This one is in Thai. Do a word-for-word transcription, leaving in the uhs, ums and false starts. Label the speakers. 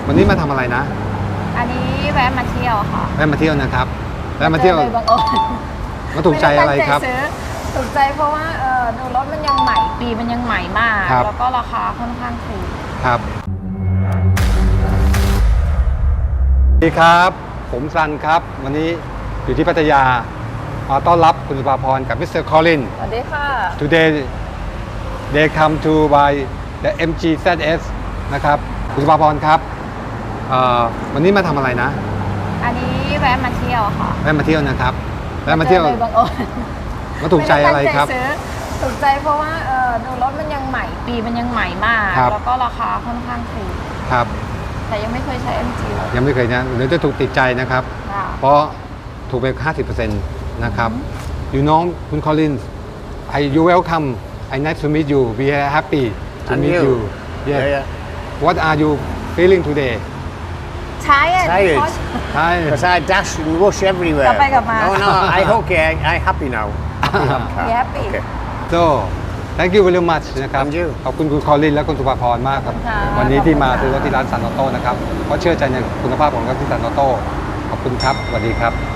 Speaker 1: วันนี้มาทำอะไรนะ
Speaker 2: อันนี้แวะมาเที่ยวค่ะ
Speaker 1: แวะมาเที่ยวนะครับแวะมาเที่ยว
Speaker 2: บังเอิญ
Speaker 1: มาถูกใจอะไรครับ
Speaker 2: ถูกใจเพราะว่าเออดูรถมันยังใหม่ปีมันยังใหม่มากแล้วก็ราคาค่อนข้างถูก
Speaker 1: ครับสวัสดีครับผมซันครับวันนี้อยู่ที่พัทยามาต้อนรับคุณสุภาพรกับมิสเตอร์คอลิน
Speaker 2: สวัสดีค่ะ
Speaker 1: Today they come to by the เอ็ม จี แซด เอส นะครับคุณสุภาพรครับวันนี้มาทำอะไรนะ
Speaker 2: อันนี้แวะมาเที่ยวค่ะ
Speaker 1: แวะมาเที่ยวนะครับแวะมาเที่ยว
Speaker 2: บังเอิญ
Speaker 1: มาถูกใจอะไรครับ
Speaker 2: ถูกใจเพราะว่าเออดูรถมันยังใหม่ปีมันยังใหม่มากแล้วก็ราคาค่อนข้างถูก
Speaker 1: ครับ
Speaker 2: แต่ยังไม่เคยใช้ เอ็ม จี
Speaker 1: ยังไม่เคยนะเดี๋ยวจะถูกติดใจนะครับเพราะถูกไป ห้าสิบเปอร์เซ็นต์ นะครับอยู่น้องคุณคอลิน I you welcome I nice to meet you we are happy to
Speaker 3: And
Speaker 1: meet
Speaker 3: you.
Speaker 1: you
Speaker 3: Yeah,
Speaker 1: yes
Speaker 3: yeah.
Speaker 1: What are you feeling today
Speaker 2: Tired
Speaker 3: Tired.
Speaker 1: Hi
Speaker 3: Because I dash and rush everywhere.
Speaker 2: กลับไปกลับมา
Speaker 3: No, no, I okay. I, I happy now. Happy have car.
Speaker 2: You happy?
Speaker 3: Okay.
Speaker 1: so thank you very much นะครับ
Speaker 3: Thank you.
Speaker 1: ขอบคุณคุณคอลินและคุณสุภาพรมากครับวันนี้ที่มาซื้อรถที่ร้านซันออโต้นะครับเพราะเชื่อใจในคุณภาพของรถที่ซันออโต้ขอบคุณครับสวัสดีครับ